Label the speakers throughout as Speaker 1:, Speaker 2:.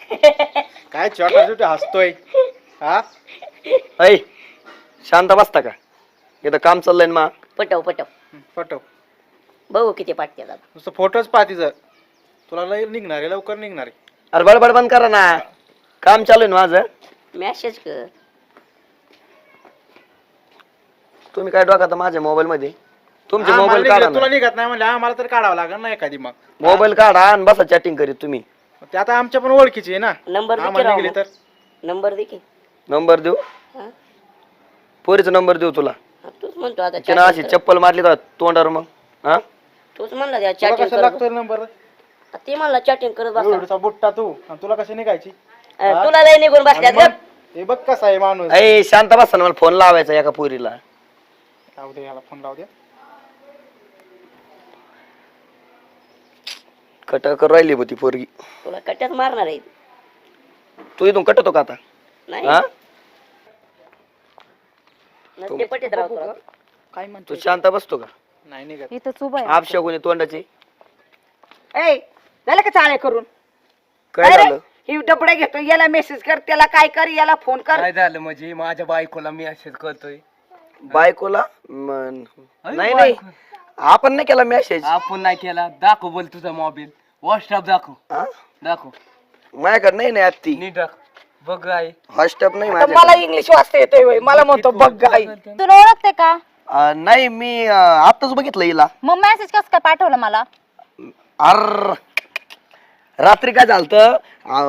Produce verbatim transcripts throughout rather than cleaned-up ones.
Speaker 1: काय छोटा छोटा हसतोय हा
Speaker 2: ऐ शांत बसता का इथं काम चाललंय ना.
Speaker 3: पटव पटव
Speaker 1: फोटो
Speaker 3: बघू किती पाठते आता.
Speaker 1: नुसतं फोटोच पाहती जर तुला लय निघणार आहे लवकर निघणार आहे.
Speaker 2: अरे बडबड बंद करा ना काम चालू आहे ना माझं.
Speaker 3: मेसेज कर.
Speaker 2: तुम्ही काय डोका माझ्या मोबाईल मध्ये तुमचे
Speaker 1: आम्हाला
Speaker 2: मोबाईल
Speaker 1: निघलं,
Speaker 2: काढा
Speaker 1: तुला
Speaker 2: ना.
Speaker 1: निघत नाही म्हणजे आम्हाला तर काढावं लागेल ना एखादी मग
Speaker 2: मोबाईल काढा आणि बसा चॅटिंग करीत तुम्ही.
Speaker 1: ते आता आमच्या पण ओळखीची आहे ना
Speaker 3: नंबर दे की
Speaker 1: आम्हाला
Speaker 3: राव
Speaker 1: निघली
Speaker 3: मग.
Speaker 1: तर
Speaker 3: नंबर दे की.
Speaker 2: नंबर देऊ
Speaker 3: हा?
Speaker 2: पोरीचा नंबर देऊ तुला.
Speaker 3: हा, तूच म्हणतो आता
Speaker 2: तिनं अशी
Speaker 3: chatting कर.
Speaker 2: चप्पल मारली तर तोंडावर मग हा
Speaker 3: तूच म्हणला त्या
Speaker 1: तुला
Speaker 3: चॅटिंग
Speaker 1: कशा
Speaker 3: कर.
Speaker 1: लागतोय नंबर
Speaker 3: ते म्हणला चॅटिंग करत बसा.
Speaker 1: एवढा बुट्टा तू आणि तुला कशी निघायची
Speaker 3: अ, तुला लय निघून बसल्यात
Speaker 1: आणि
Speaker 3: गप.
Speaker 1: मग हे बघ कसा आहे माणूस.
Speaker 2: ऐ शांत बसा ना मला फोन लावायचा एका पोरीला.
Speaker 1: लावू दे याला फोन लावू दे.
Speaker 2: कट कर राहिली होती पोरगी.
Speaker 3: तुला कट्यात मारणार आहे.
Speaker 2: तू इथून कटतो का आता
Speaker 3: नाही
Speaker 2: हा
Speaker 3: नसते पटीत राव तुला.
Speaker 4: काय
Speaker 2: तू
Speaker 4: म्हणतो
Speaker 2: शांत बसतो का.
Speaker 1: नाही निघत
Speaker 4: इथंच उभा आहे.
Speaker 2: आपशा कोणी तोंडाची
Speaker 4: ए झालं का चाळे करून
Speaker 2: काय
Speaker 4: अरे,
Speaker 2: झालं.
Speaker 4: ही डबडे घेतो याला मेसेज कर त्याला काय कर याला फोन कर.
Speaker 5: काय झालं म्हणजे माझ्या बायकोला मी असेच करतोय.
Speaker 2: बायकोला मन-
Speaker 5: अरे
Speaker 2: नाही नाही
Speaker 5: बायको.
Speaker 2: आपण नाही केला मेसेज.
Speaker 5: आपण नाही केला. दाखव बोल तुझा मोबाईल व्हॉट्सअप दाखव दाखव
Speaker 2: माझ्याकडे नाही नाही आत्ती
Speaker 5: नीट दाखव बघ आहे.
Speaker 2: व्हॉट्सअप नाही
Speaker 4: आता मला
Speaker 2: माझ्याकडे.
Speaker 4: इंग्लिश वाचता येतोय होय. मला म्हणतो बघ गाई.
Speaker 6: तुला ओळखते का?
Speaker 2: अं, नाही मी अं, आत्ताच बघितलं हिला.
Speaker 6: मग मेसेज कसं काय पाठवलं मला?
Speaker 2: अर रात्री काय झालं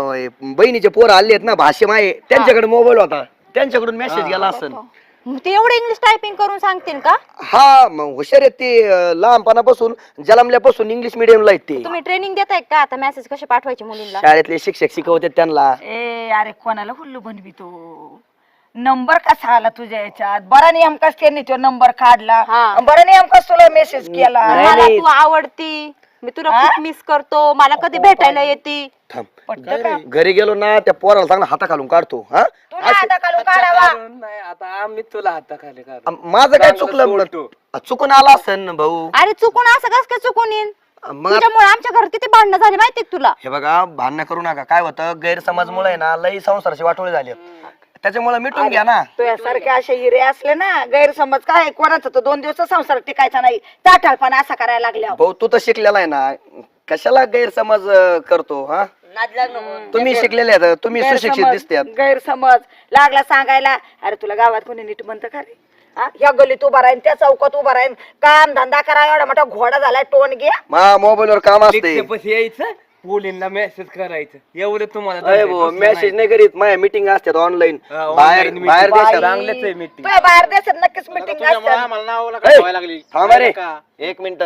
Speaker 2: बहिणीचे पोर आले आहेत ना भाषे माये त्यांच्याकडे मोबाईल होता त्यांच्याकडून मेसेज गेला असेल.
Speaker 6: मग ते एवढं इंग्लिश टायपिंग करून सांगतील का?
Speaker 2: हा मग हुशार आहेत ते अं, लहानपणापासून जन्मल्यापासून इंग्लिश मिडियमला आहेत ते.
Speaker 6: तुम्ही ट्रेनिंग देताय का आता मेसेज कसे पाठवायचे मुलींना?
Speaker 2: शाळेतले शिक्षक शिकवतात त्यांना.
Speaker 4: ए अरे कोणाला हुल्लू बनवितो. नंबर कसा आला तुझ्या याच्यात बरा नेमकाच त्यांनी तो नंबर काढला
Speaker 6: हा.
Speaker 4: बरा नेमकाच तुला मेसेज केला.
Speaker 2: नाही,
Speaker 6: मला
Speaker 2: नाही.
Speaker 6: तू आवडती, मी तुला खूप मिस करतो, मला कधी भेटायला येते.
Speaker 2: थांब
Speaker 4: पटतं का?
Speaker 2: घरी गेलो ना त्या पोराला चांगला हाता घालून काढतो. हा
Speaker 4: तुला आता काढून काढावा.
Speaker 5: नाही आता आम्ही तुला हाताखाली काढ.
Speaker 2: अं, माझं काय चुकलं
Speaker 5: सोडतो.
Speaker 2: अं, चुकून आला असेल ना भाऊ.
Speaker 6: अरे चुकून असं कस काय चुकून येईन?
Speaker 2: मग
Speaker 6: तुझ्यामुळे आमच्या घरात किती भांडणं झाली माहितीये का तुला?
Speaker 2: हे बघा भांडणं करू नका. काय होतं गैरसमजमुळे ना लई संसाराची वाटोळी झाली त्याच्यामुळे मिटून घ्या ना.
Speaker 4: तुझ्यासारखे असे हिरे असले ना गैरसमज काय कोणाचा तो दोन दिवस संसार टिकायचा नाही चाटाळपणा असा करायला लागल्या.
Speaker 2: भाऊ तू तर शिकलेला आहे ना कशाला गैरसमज अं, करतो. हा
Speaker 3: नाद लाग नको.
Speaker 2: तुम्ही शिकलेले आहेत तुम्ही सुशिक्षित
Speaker 4: गैरसमज
Speaker 2: दिसतात.
Speaker 4: गैरसमज लागला सांगायला. अरे तुला गावात कोणी नीट म्हणतं का रे? हा? या गलीत उभा राहीन त्या चौकात उभा राहीन काम धंदा करा एवढा मोठा घोडा झालाय टोन घ्या.
Speaker 2: मा मोबाईल वर काम असते.
Speaker 5: लिखतेपशी यायचं मुलींना मेसेज करायचं एवढं तुम्हाला
Speaker 2: अरे
Speaker 5: जमतंय.
Speaker 2: भाऊ
Speaker 5: दुसरं
Speaker 2: मेसेज नाही करीत माझ्या मिटिंग असतात ऑनलाईन
Speaker 5: हा,
Speaker 2: बाहेर
Speaker 5: online
Speaker 2: बाहेर
Speaker 5: meeting.
Speaker 2: देशात.
Speaker 5: चांगलंच आहे meeting.
Speaker 4: तुझ्या बाहेर देशात नक्कीच मिटिंग
Speaker 1: तुझ्यामुळे
Speaker 4: असतात.
Speaker 1: आम्हाला नावाला
Speaker 2: ए,
Speaker 1: ठेवायला लागली
Speaker 2: थांबा रे
Speaker 1: का?
Speaker 2: एक मिनिट.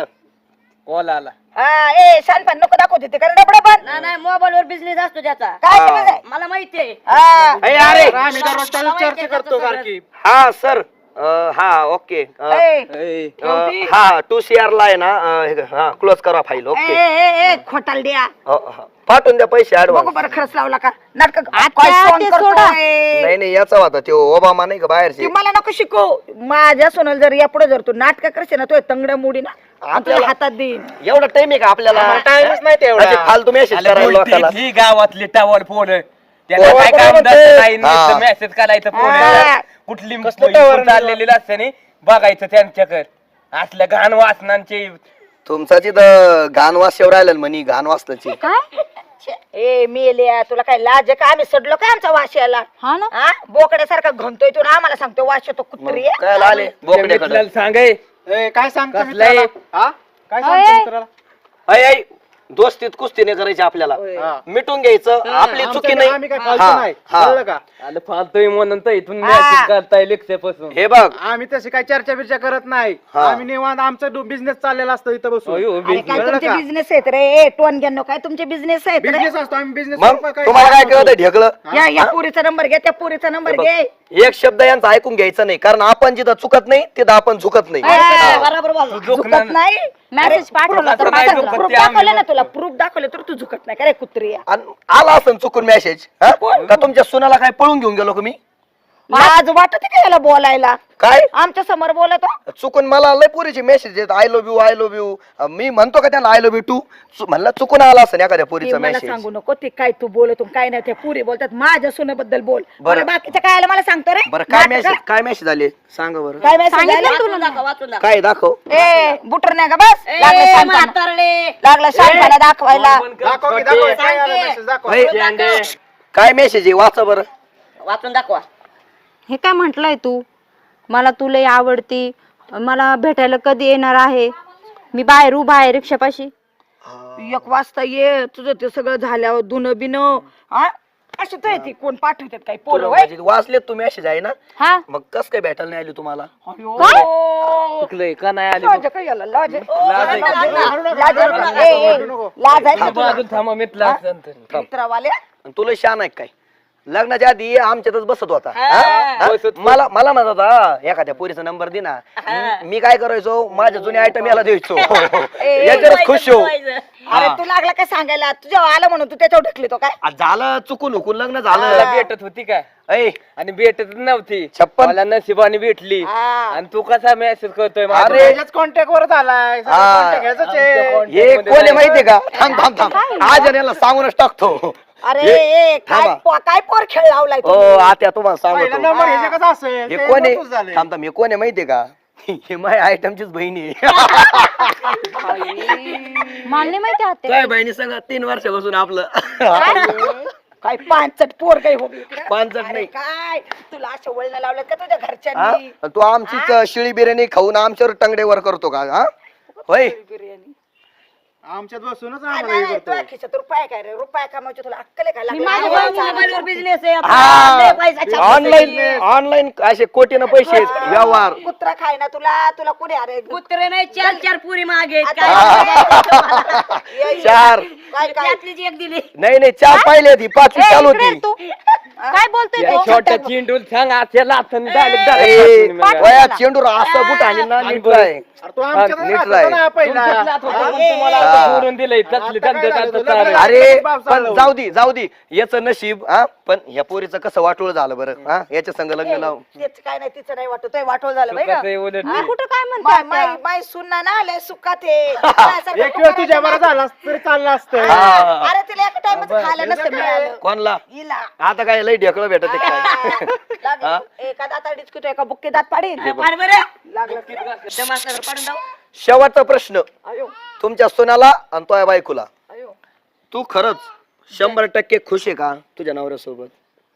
Speaker 5: कॉल आला.
Speaker 4: हा ए शानपण नको दाखवते ते कारण डबडा पण
Speaker 3: नाही नाही मोबाईल वर बिझनेस असतो त्याचा.
Speaker 4: काय
Speaker 2: हा.
Speaker 4: समज आहे?
Speaker 3: मला माहितीये.
Speaker 4: हा.
Speaker 2: अरे अरे
Speaker 1: अरे आम्ही दररोज त्याला चर्चा करतो सारखी
Speaker 2: हा सर अं, हा ओके अं,
Speaker 4: ए,
Speaker 5: ए,
Speaker 2: अं, हा टू सी आर ला आहे ना अं, हे- हा क्लोज करा फाईल.
Speaker 4: ए,
Speaker 2: ओके
Speaker 4: ए, ए, खोटाल द्या
Speaker 2: अं, हा. पाठवून द्या पैसे
Speaker 4: बघू
Speaker 2: ऍडव्हान्स.
Speaker 4: बरं खरंच लावला का नाटक
Speaker 6: आता ते सोडा.
Speaker 2: नाही नाही याचा होता तो ओबामा नाही का बाहेरचे.
Speaker 4: मला नको शिकव माझ्या सोनाला जर या पुढे जर तू नाटक करशील ना तो तंगड्या मुडी ना आणि तुला
Speaker 2: आपल्याला-
Speaker 4: हातात देईन.
Speaker 2: एवढा टाइम आहे का आपल्याला?
Speaker 1: आम्हाला टाइमच नाही तेवढा.
Speaker 2: असे फालतू मेसेज
Speaker 5: आले
Speaker 2: करायला
Speaker 5: बोलते,
Speaker 2: लोकांना.
Speaker 5: ही गावातली टावर फोन त्याला
Speaker 2: हो,
Speaker 5: काय
Speaker 2: बरोबर
Speaker 5: काम
Speaker 2: म्हणते.
Speaker 5: धंदा नाही
Speaker 2: हा.
Speaker 5: नुसतं मेसेज करायचं फोन
Speaker 4: हा.
Speaker 5: कुठली
Speaker 1: कसलं
Speaker 5: मुलगी
Speaker 1: टावर
Speaker 5: कुठं चाललेली असते नाही बघायचं त्यांच्याकडे असल्या घाण वासनांचे.
Speaker 2: तुमचा तिथं घाण वास येऊ राहिला म्हणी घाण वासनाची.
Speaker 6: काय?
Speaker 4: ए मेल्या तुला काय लाज आहे का आम्ही सडलो काय आमचा वास याला
Speaker 6: हा ना.
Speaker 4: हा बोकड्यासारखा घंतोय तू ना आम्हाला सांगतो वास येतो कुत्री आहे.
Speaker 2: काय आले बोकड्याकडे.
Speaker 5: मित्राला सांगाय
Speaker 1: ए, काय सांगतो
Speaker 5: कसलं आहे?
Speaker 1: मित्राला? हा काय
Speaker 6: अय.
Speaker 1: सांगतो मित्राला?
Speaker 2: ऐ ऐ दोस्तीत कुस्ती नाही करायची आपल्याला.
Speaker 1: हा.
Speaker 2: मिटून घ्यायचं आपली
Speaker 1: आमच्या
Speaker 2: चुकी
Speaker 1: घरी
Speaker 2: नाही.
Speaker 1: आम्ही काय फालतू
Speaker 2: हा,
Speaker 1: नाही
Speaker 2: हा.
Speaker 1: कळलं का?
Speaker 5: आलं फालतोय म्हणून तर इथून
Speaker 4: हा.
Speaker 5: मेसेज करताय लेक्चरपासून.
Speaker 2: हे बघ
Speaker 1: आम्ही तशी काय चर्चा बिर्चा करत नाही.
Speaker 2: हा.
Speaker 1: आम्ही निवांत आमचं बिझनेस चाललेला असतो इथं बसून.
Speaker 5: अयो,
Speaker 4: अरे
Speaker 5: business.
Speaker 4: काय
Speaker 1: कळलं
Speaker 4: तुमचे
Speaker 1: का?
Speaker 4: बिझनेस आहेत रे ए टोन घ्या काय तुमचे बिझनेस आहेत रे
Speaker 1: बिझनेस असतो आम्ही बिझनेस.
Speaker 2: मग तुम्हाला काय कळत ढेकलं.
Speaker 4: या या पुरीचा नंबर घे त्या पुरीचा नंबर घे.
Speaker 2: एक शब्द यांचा ऐकून घ्यायचा नाही कारण आपण जिथं चुकत नाही तिथं आपण झुकत नाही.
Speaker 4: हा.
Speaker 3: बरोबर बोल.
Speaker 5: तू झोकणार
Speaker 4: झुकत नाही
Speaker 6: मेसेज पाठवला तर
Speaker 5: झुकत नाही,
Speaker 6: पाठवला.
Speaker 5: झुकत
Speaker 4: प्रूफ
Speaker 5: ते आम्ही
Speaker 4: दाखवलं ना तुला प्रूफ दाखवलं तर तू झुकत नाही का रे कुत्री आहे?
Speaker 2: आणि आला असं चुकून मेसेज का तुमच्या सुनाला काय पळून घेऊन गेलो का मी?
Speaker 4: लाज वाटते का याला बोलायला?
Speaker 2: काय
Speaker 4: आमच्या समोर बोलतो.
Speaker 2: चुकून मला लय पोरीचे मेसेज येत I love you I love you. मी म्हणतो का त्यांना आय लव्ह यू टू, म्हणलं चुकून आला असं एखाद्या
Speaker 4: ते
Speaker 2: पोरीचा
Speaker 4: मला
Speaker 2: मेसेज.
Speaker 4: सांगू नको ते काय तू बोलतो काय नाही. ते पुरी बोलतात माझ्या सुनेबद्दल बोल.
Speaker 2: बरं.
Speaker 4: बरं बाकीचं काय आलं मला सांगतो रे.
Speaker 2: बरं काय
Speaker 4: नाटकं?
Speaker 2: मेसेज काय मेसेज आले सांगा बरं.
Speaker 4: काय message
Speaker 6: सांगितलं
Speaker 4: आले?
Speaker 6: तुला
Speaker 3: दाखव, वाचून दाखव.
Speaker 2: काय दाखव.
Speaker 4: ए बुटर नाही का बस
Speaker 3: ए,
Speaker 4: लागलं शांतपणा.
Speaker 3: म्हातारडे.
Speaker 4: लागला शांतपणा दाखवायला.
Speaker 1: दाखव की दाखव काय आलं message दाखव.
Speaker 2: होय. काय मेसेज आहे वाचा बरं.
Speaker 3: वाचून दाखवा.
Speaker 6: हे काय म्हंटलय तू? मला तू लय आवडती, मला भेटायला कधी येणार आहे? मी बाहेर उभा आहे रिक्षापाशी.
Speaker 4: एक वाजता ये तुझं ते सगळं झाल्यावर धुणं बिन अशी तर ती कोण पाठवतात काही पोरं
Speaker 2: तुला
Speaker 4: होय?
Speaker 2: म्हणजे वाचलेत तू मेसेज आहे ना,
Speaker 6: हा
Speaker 2: मग कस काय भेटायला नाही आली तुम्हाला.
Speaker 5: चुकलंय का नाही आली
Speaker 4: लाज काय याला? लाज आहे.
Speaker 5: लाज आहे का?
Speaker 4: लाज आहे. ए, ए, लाज आहे का तुला?
Speaker 5: बाजूला थांबा मितला असं तर.
Speaker 4: मित्रावाले
Speaker 2: आणि तुला शान आहे काय. लग्नाच्या आधी आमच्यातच बसत होता.
Speaker 3: हा.
Speaker 2: हा?
Speaker 5: बसत
Speaker 2: मला मला म्हणत होता एखाद्या पोरीचा नंबर दे ना. मी- मी काय करायचो माझ्या जुने आयटम याला द्यायचो. याच्यावरच खुश हो.
Speaker 4: अरे तू लागला काय सांगायला? तुझ्या आलं म्हणून तू त्याच्यावर ढकली तो काय?
Speaker 2: आ, झालं चुकून हुकून लग्न
Speaker 5: मला
Speaker 2: झालं.
Speaker 5: भेटत होती काय
Speaker 2: ऐ
Speaker 5: आणि भेटत नव्हती.
Speaker 2: छप्पन.
Speaker 5: मला नशिबाने भेटली
Speaker 4: हा.
Speaker 5: आणि तू कसा मेसेज करतोय माझ्या?
Speaker 2: अरे
Speaker 1: त्याच्याच कॉन्टॅक्ट वर झालाय
Speaker 2: हा.
Speaker 1: कॉन्टॅक्ट घ्यायचं आहे.
Speaker 2: हे कोण आहे माहितीये का. थांब थांब थांब आज आणि याला सांगूनच टाकतो.
Speaker 4: अरे
Speaker 2: हे-
Speaker 4: ए, काय
Speaker 2: थांबा.
Speaker 4: पो- काय पोर खेळ लावलाय
Speaker 2: ओ
Speaker 4: तुम्ही?
Speaker 2: आत्या तुम्हाला
Speaker 1: पहिला
Speaker 2: सांगतो.
Speaker 1: नंबर ह्याच्या कसं असेल
Speaker 2: हे
Speaker 1: ते
Speaker 2: कोण
Speaker 1: नकोच झालंय.
Speaker 2: आहे थांब थांब हे कोण आहे माहितीये का. हे माझ्या आयटमचीच बहिणी आहे.
Speaker 6: मला नाही माहिती आत्या.
Speaker 2: काय बहिणी सांगा तीन वर्षापासून आपलं
Speaker 4: काय पांचट पोर काही हो इकडं?
Speaker 2: पांचट
Speaker 4: अरे
Speaker 2: नाही.
Speaker 4: काय तुला अशा वळण लावल्यात का तुझ्या
Speaker 2: हा?
Speaker 4: घरच्यांनी?
Speaker 2: तू आमचीच शिळी बिर्याणी खाऊन आमच्यावर टंगडेवर करतो का. हा होय
Speaker 4: बिर्याणी
Speaker 1: आमच्यात बसूनच
Speaker 4: नाही,
Speaker 1: आम्हाला
Speaker 4: नाही,
Speaker 1: हे
Speaker 4: तुझ्या
Speaker 1: करतो.
Speaker 4: खिशात रुपये काय रे? रुपये कमावचे तुला अक्कल आहे का?
Speaker 6: मी
Speaker 4: लागलं
Speaker 6: माझ्या
Speaker 4: आवाज
Speaker 6: बहिणीला
Speaker 4: आवाज.
Speaker 3: मोबाईलवर बिझनेस आहे आपला. लय पैसा छापतो.
Speaker 2: ऑनलाईन ऑनलाईन असे कोटीनं पैसे आहेत, व्यवहार.
Speaker 4: कुत्रा खाय ना तुला तुला कुणी अरे
Speaker 3: कुत्रे नाही चार चार पुरी मागे आहेत.
Speaker 4: आता
Speaker 3: काय
Speaker 4: ये, ये.
Speaker 2: चार
Speaker 4: काय काय
Speaker 3: त्यातलीच एक दिली.
Speaker 2: नाही नाही चार पाहिले ती पाचवी
Speaker 6: ए,
Speaker 2: चालू
Speaker 6: इकडे
Speaker 2: होती.
Speaker 6: ये तू काय बोलतोय
Speaker 5: या
Speaker 6: तू?
Speaker 5: छोट्या चिंडूल सांग आत्याला आपण direct
Speaker 2: ए,
Speaker 5: direct
Speaker 2: वया चेंडूर असं बुट आणि ना नीट राय.
Speaker 1: अरे तू आमच्यात
Speaker 2: नीट
Speaker 1: राहत
Speaker 2: राय.
Speaker 1: होता ना पहिला.
Speaker 5: तुम्हाला
Speaker 2: हा.
Speaker 5: आता सोडून दिलंय तसले
Speaker 1: आता काय
Speaker 5: धंदे
Speaker 1: झालं
Speaker 5: करतात
Speaker 1: तुला?
Speaker 5: सारे.
Speaker 2: अरे
Speaker 1: बाप
Speaker 2: पण
Speaker 1: चालवलं.
Speaker 2: जाऊ दे जाऊ दे याचं नशीब. हा पण ह्या पोरीचं कसं वाटोळ झालं बरं. हा याच्या संग लग्न लावून.
Speaker 4: तेच काय नाही तिचं नाही वाटत वाटोळ झालं बाई
Speaker 5: सुखाचं आहे उलट
Speaker 6: मी
Speaker 5: ते.
Speaker 6: कुठं काय म्हणते
Speaker 4: माय
Speaker 6: आत्या?
Speaker 4: माय माय सुनना ना लय सुखात आहे. माझ्यासारखं
Speaker 1: एक वेळ
Speaker 4: तू
Speaker 1: तुझ्या बरं
Speaker 4: करायचं
Speaker 1: झाला तरी चाललं असतं.
Speaker 4: ना.
Speaker 2: हा.
Speaker 4: अरे तिला एका टाइमच खायला नसतं मिळालं.
Speaker 2: कोणला
Speaker 4: हिला.
Speaker 2: आता काय लय ढेकळं भेटत आहे काय.
Speaker 4: लागलं. एका दाता डिचकितो एका बुक्के दात पाडीन.
Speaker 3: पाड बरं.
Speaker 4: लागलं.
Speaker 3: दमासनावर पाडून जाऊ.
Speaker 2: शेवटचा प्रश्न
Speaker 4: अयो
Speaker 2: तुमच्या सोन्याला आणि तो बायकोला.
Speaker 4: अयो
Speaker 2: तू खरंच शंभर टक्के खुश आहे का तुझ्या नवऱ्यासोबत.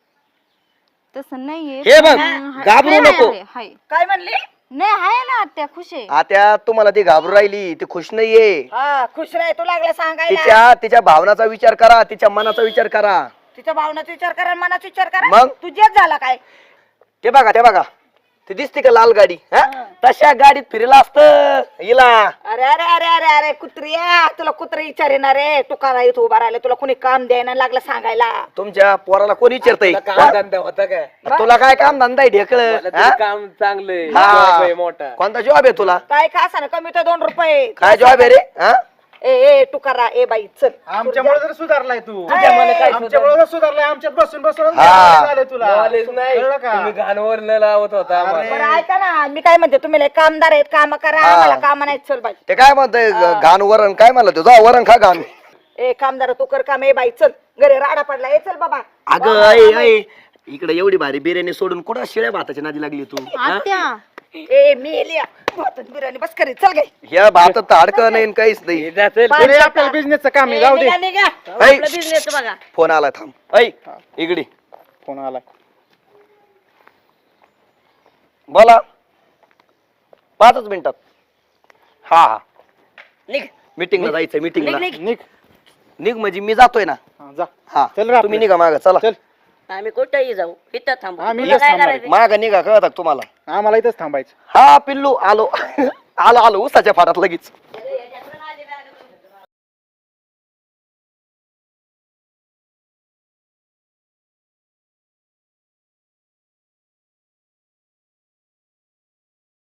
Speaker 6: तसं नाहीये.
Speaker 2: हे बघ
Speaker 6: हाय,
Speaker 2: घाबरू
Speaker 6: हाय,
Speaker 2: नको.
Speaker 6: हाय, हाय.
Speaker 4: काय म्हणली?
Speaker 6: नाही आहे ना आत्या खुश आहे.
Speaker 2: आता तुम्हाला ती घाबरू राहिली ती खुश नाहीये.
Speaker 4: हा खुश राह तू लागला सांगायला.
Speaker 2: तिच्या तिच्या भावनाचा विचार करा तिच्या मनाचा विचार करा.
Speaker 4: तिच्या भावनाचा विचार करा मनाचा विचार करा.
Speaker 2: मग?
Speaker 4: तुझ्याच झाला काय?
Speaker 2: ते बघा ते बघा ती दिसते का लाल गाडी. हा? तशा गाडीत फिरला असत हिला.
Speaker 4: अरे अरे अरे अरे अरे कुत्रिया तुला कुत्र विचारेना रे. तू करा इथं उभा राहिला तुला कोणी काम द्यायला लागलं सांगायला.
Speaker 2: तुमच्या पोराला कोणी विचारतय
Speaker 5: तुला काम धंदा होता काय?
Speaker 2: तुला काय काम धंदा आहे ढेकळ.
Speaker 5: मला तरी काम चांगलंय
Speaker 2: हा.
Speaker 5: job आहे मोठा.
Speaker 2: कोणता जॉब आहे तुला.
Speaker 4: काय का असं कमी तर दोन रुपये.
Speaker 2: काय जॉब आहे रे. हा?
Speaker 4: ए ए तू करा ए बाई चल.
Speaker 1: आमच्यामुळे जर सुधारलाय तू.
Speaker 5: तुझ्या मला काय
Speaker 1: आमच्यामुळे जर सुधारलाय आमच्यात बसून बसून
Speaker 2: हा.
Speaker 1: झालंय तुला.
Speaker 5: knowledge नाही
Speaker 1: कळलं का?
Speaker 5: तुम्ही घाणवर न लावत होता आम्हाला.
Speaker 4: बरं ऐका ना मी काय म्हणते तुम्ही लय कामदार आहेत काम करा
Speaker 2: हा.
Speaker 4: आम्हाला काम नाही चल बाई.
Speaker 2: ते काय म्हणतंय घाण वरण काय म्हणलं तुझा वरण खा घाण.
Speaker 4: ए कामदार तू कर काम ए बाई चल घरी राडा पडला ए चल बाबा.
Speaker 2: अगं ऐ ऐ इकडे एवढी भारी बिर्याणी सोडून कुठं शिळ्या भाताची नादी लागली तू. हा?
Speaker 6: आत्या
Speaker 4: ए मी एलिया भातात बिर्याणी बस करी चल गे.
Speaker 2: ह्या भातात तर अडकं नाही आणि काहीच नाही.
Speaker 5: हे जातील.
Speaker 1: तरी आपल्याला बिझनेसचं काम आहे.
Speaker 3: ए,
Speaker 1: जाऊ दे.
Speaker 3: निघा, निघा.
Speaker 2: ऐ.
Speaker 3: आपलं बिझनेस बघा.
Speaker 2: फोन आलाय थांब. ऐ इकडे
Speaker 1: फोन आला.
Speaker 2: बोला पाचच मिनिटात. हा हा
Speaker 3: निघ.
Speaker 2: मीटिंगला जायचंय मीटिंगला.
Speaker 3: निघ, निघ.
Speaker 1: निघ.
Speaker 2: निघ म्हणजे मी जातोय ना.
Speaker 1: हा, जा.
Speaker 2: हा
Speaker 1: चल रे
Speaker 2: तुम्ही
Speaker 1: आपलं.
Speaker 2: निघा माग चला.
Speaker 1: चल
Speaker 3: आम्ही कुठेही जाऊ इथं थांबू.
Speaker 1: आम्ही
Speaker 3: तुला
Speaker 1: इथंच
Speaker 3: काय
Speaker 1: थांबायचं.
Speaker 3: करायचं?
Speaker 2: माग निघा कळत तुम्हाला.
Speaker 1: आम्हाला इथंच थांबायचं.
Speaker 2: हा पिल्लू आलो आलो आलो उसाच्या फाटात लगेच.